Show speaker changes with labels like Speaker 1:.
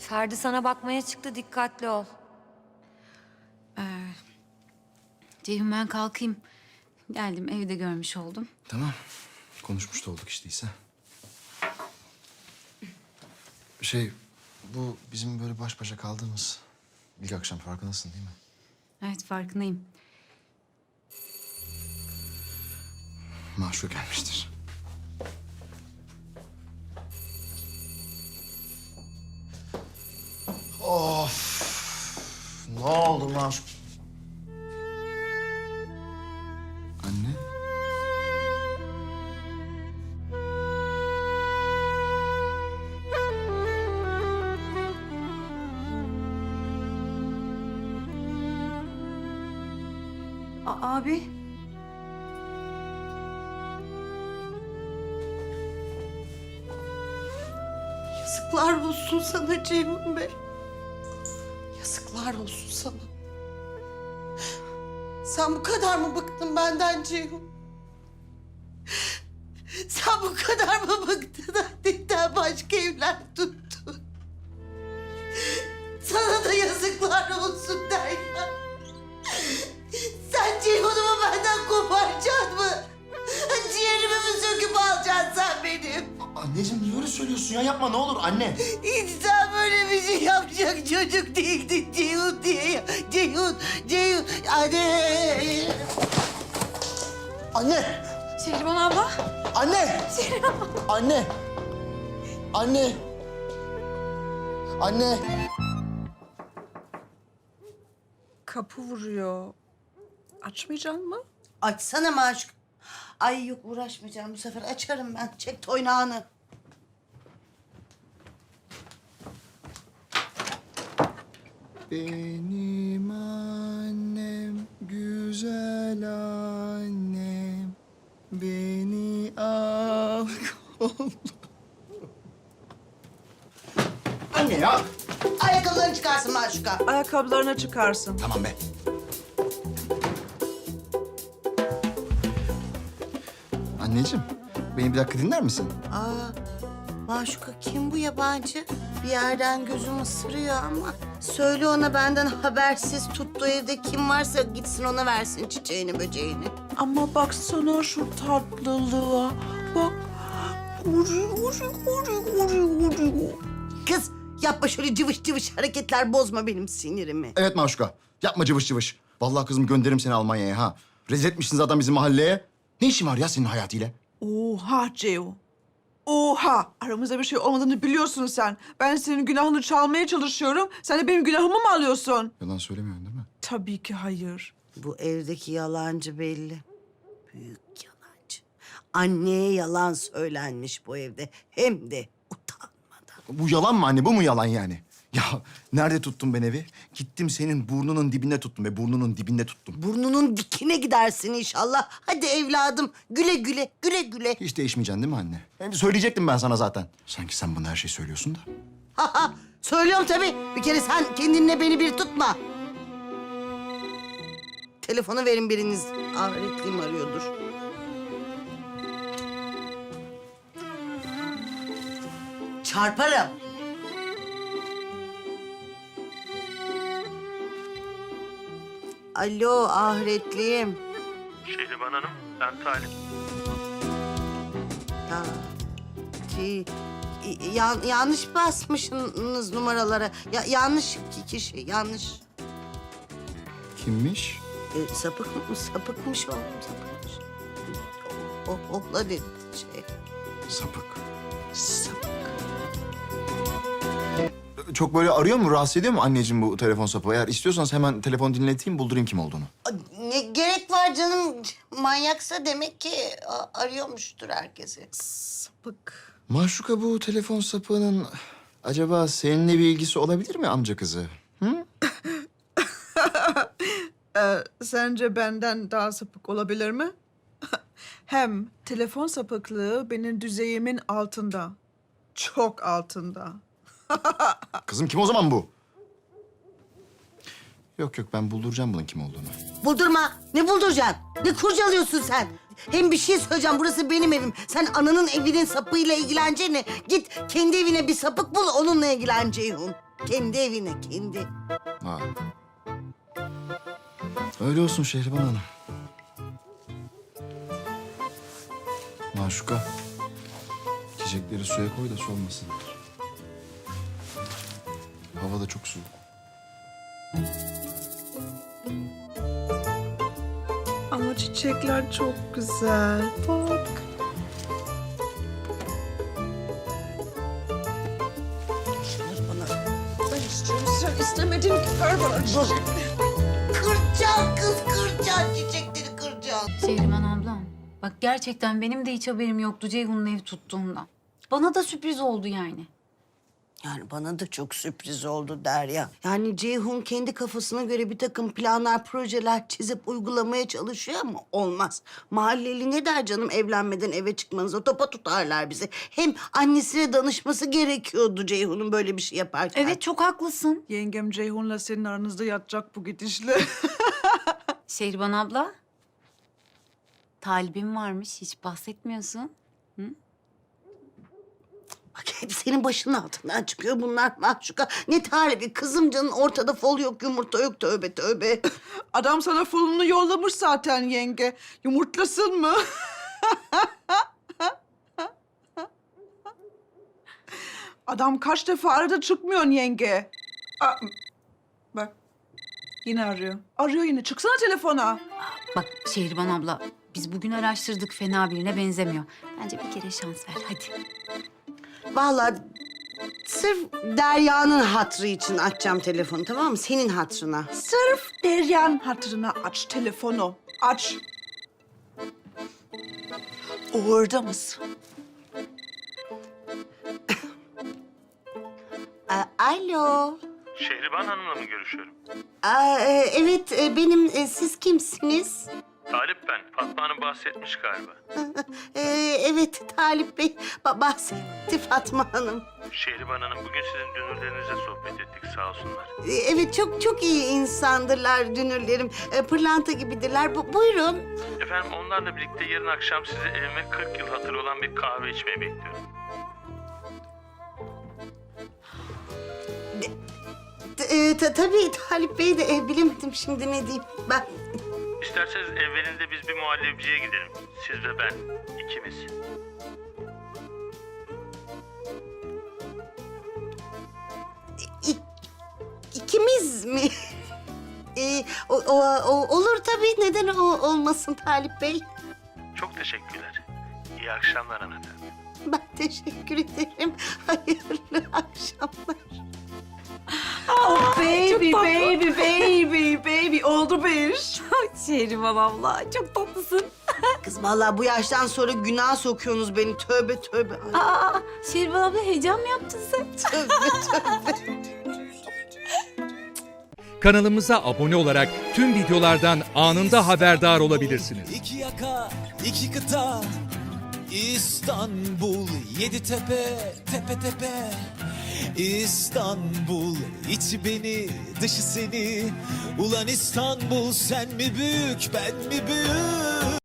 Speaker 1: Ferdi sana bakmaya çıktı, dikkatli ol.
Speaker 2: Ceyhun ben kalkayım. Geldim evde görmüş oldum.
Speaker 3: Tamam. Konuşmuş da olduk işte İsa. Bu bizim böyle baş başa kaldığımız ilk akşam farkındasın değil mi?
Speaker 2: Evet farkındayım.
Speaker 3: Maşuk gelmiştir. Of! Ne oldu Maşuk? Anne?
Speaker 2: Abi.
Speaker 4: Yazıklar olsun sana Ceyhun Bey. Yazıklar olsun sana. Sen bu kadar mı bıktın benden Ceyhun? Sen bu kadar mı bıktın annemden başka evler tuttun? Sana da yazıklar olsun Derya. Sen Ceyhun'umu benden koparacaksın mı? Ciğerimi mi söküp alacaksın sen benim?
Speaker 3: Anneciğim niye öyle söylüyorsun ya? Yapma ne olur anne.
Speaker 4: İnsan böyle bir şey yapacak çocuk değildi Ceyhun diye ya. Ceyhun, anne.
Speaker 3: Anne!
Speaker 2: Şehriban abla.
Speaker 3: Anne! Anne! Anne! Anne!
Speaker 5: Kapı vuruyor. Açmayacak mı?
Speaker 4: Açsana Maşuk. Ay yok uğraşmayacağım bu sefer açarım ben. Çek toynağını.
Speaker 3: Benim annem, güzel annem, beni al koluna. Anne ya!
Speaker 4: Ayakkabılarını çıkarsın Maşuk'a.
Speaker 5: Ayakkabılarını çıkarsın.
Speaker 3: Tamam be. Anneciğim, beni bir dakika dinler misin?
Speaker 4: Maşuk'a kim bu yabancı? Bir yerden gözüm ısırıyor ama. Söyle ona benden habersiz tuttuğu evde kim varsa gitsin ona versin çiçeğini böceğini.
Speaker 5: Ama baksana şu tatlılığa. Bak. Uri.
Speaker 4: Kız yapma şöyle cıvış cıvış hareketler bozma benim sinirimi.
Speaker 3: Evet Maşuka, yapma cıvış cıvış. Vallahi kızım gönderirim seni Almanya'ya ha. Rezil etmişsin zaten bizim mahalleye. Ne işin var ya senin hayatıyla?
Speaker 5: Oha Ceo. Oha. Aramızda bir şey olmadığını biliyorsun sen. Ben senin günahını çalmaya çalışıyorum. Sen de benim günahımı mı alıyorsun?
Speaker 3: Yalan söylemiyorsun değil mi?
Speaker 5: Tabii ki hayır.
Speaker 4: Bu evdeki yalancı belli. Büyük yalancı. Anneye yalan söylenmiş bu evde. Hem de utanmadan.
Speaker 3: Bu yalan mı anne? Bu mu yalan yani? Ya nerede tuttum ben evi? Gittim senin burnunun dibinde tuttum ve burnunun dibinde tuttum.
Speaker 4: Burnunun dikine gidersin inşallah. Hadi evladım güle güle, güle güle.
Speaker 3: Hiç değişmeyeceksin değil mi anne? Söyleyecektim ben sana zaten. Sanki sen bana her şeyi söylüyorsun da.
Speaker 4: Ha ha, söylüyorum tabii. Bir kere sen kendinle beni bir tutma. Telefonu verin biriniz. Ahretliğim arıyordur. Çarparım. Alo ahretliğim.
Speaker 6: Şehriban Hanım, ben Talip.
Speaker 4: Ya, yanlış basmışsınız numaralara. Yanlış kişi, yanlış.
Speaker 3: Kimmiş?
Speaker 4: Sapıkmış oğlum, sapıkmış. Ohla dedi şey.
Speaker 3: Sapık.
Speaker 4: Sapık.
Speaker 3: Çok böyle arıyor mu, rahatsız ediyor mu anneciğim bu telefon sapı? Eğer istiyorsanız hemen telefon dinleteyim, buldurayım kim olduğunu.
Speaker 4: Ne gerek var canım? Manyaksa demek ki arıyormuştur herkesi.
Speaker 5: Sapık.
Speaker 3: Maşuka bu telefon sapığının acaba seninle bir ilgisi olabilir mi amca kızı? Hı?
Speaker 5: Sence benden daha sapık olabilir mi? Hem telefon sapıklığı benim düzeyimin altında. Çok altında.
Speaker 3: Kızım kim o zaman bu? Yok ben bulduracağım bunun kim olduğunu.
Speaker 4: Buldurma. Ne bulduracaksın? Ne kurcalıyorsun sen? Hem bir şey söyleyeceğim. Burası benim evim. Sen ananın evinin sapıyla ilgileneceğine git kendi evine bir sapık bul onunla ilgilen Ceyhun. Kendi evine kendi.
Speaker 3: Ha. Öyle olsun Şehriban Hanım. Maşuka. Çiçekleri suya koy da solmasınlar. Hava da çok soğuk.
Speaker 5: Ama çiçekler çok güzel. Bak. Ben istiyorum, sen istemedin ki. Ver bana çiçek.
Speaker 4: Kıracaksın kız kıracaksın. Çiçekleri kıracaksın.
Speaker 2: Şehriman ablam. Bak gerçekten benim de hiç haberim yoktu Ceyhun'un ev tuttuğundan. Bana da sürpriz oldu yani.
Speaker 4: Yani bana da çok sürpriz oldu Derya. Yani Ceyhun kendi kafasına göre bir takım planlar, projeler çizip uygulamaya çalışıyor ama olmaz. Mahalleli ne der canım evlenmeden eve çıkmanıza? Topa tutarlar bizi. Hem annesine danışması gerekiyordu Ceyhun'un böyle bir şey yaparken.
Speaker 2: Evet çok haklısın.
Speaker 5: Yengem Ceyhun'la senin aranızda yatacak bu gidişle.
Speaker 2: Şehriban abla. Talibim varmış hiç bahsetmiyorsun.
Speaker 4: Bak hep senin başının altından çıkıyor bunlar Mahşuka. Ne tarifi kızım canın ortada fol yok yumurta yok tövbe tövbe.
Speaker 5: Adam sana fulunu yollamış zaten yenge. Yumurtlasın mı? Adam kaç defa aradı çıkmıyorsun yenge. Aa, bak yine arıyor. Arıyor yine. Çıksana telefona.
Speaker 2: Bak Şehriban abla biz bugün araştırdık fena birine benzemiyor. Bence bir kere şans ver hadi.
Speaker 4: Vallahi sırf Derya'nın hatrı için açacağım telefonu tamam mı? Senin hatrına.
Speaker 5: Sırf Derya'nın hatırına aç telefonu. Aç. Orada mısın?
Speaker 4: Alo.
Speaker 6: Şehriban Hanım'la mı görüşüyorum?
Speaker 4: Evet benim. Siz kimsiniz?
Speaker 6: Talip ben. Fatma Hanım bahsetmiş galiba.
Speaker 4: Evet Talip Bey bahsetti Fatma Hanım.
Speaker 6: Şehriban Hanım bugün sizin dünürlerinizle sohbet ettik sağ olsunlar.
Speaker 4: Evet çok iyi insandırlar dünürlerim. Pırlanta gibidirler. Buyurun.
Speaker 6: Efendim onlarla birlikte yarın akşam sizi evime 40 yıl hatırı olan bir kahve içmeye bekliyorum.
Speaker 4: Tabii Talip Bey de bilemedim şimdi ne diyeyim. Ben
Speaker 6: İsterseniz evvelinde biz bir muhallebiciye gidelim. Siz ve ben. İkimiz.
Speaker 4: ikimiz mi? Olur tabii. Neden olmasın Talip Bey?
Speaker 6: Çok teşekkürler. İyi akşamlar hanımefendi.
Speaker 4: Ben teşekkür ederim. Hayırlı akşamlar.
Speaker 5: Oh baby, baby. Oldu bir iş.
Speaker 2: Şehriban abla çok tatlısın.
Speaker 4: Kız vallahi bu yaştan sonra günah sokuyorsunuz beni. Tövbe tövbe. Ay,
Speaker 2: Aa, Şehriban abla heyecan mı yaptın sen?
Speaker 4: tövbe tövbe.
Speaker 7: Kanalımıza abone olarak tüm videolardan anında haberdar olabilirsiniz.
Speaker 8: İki yaka, iki kıta, İstanbul, yedi tepe, tepe tepe. İstanbul, içi beni, dışı seni. Ulan İstanbul, sen mi büyük, ben mi büyük?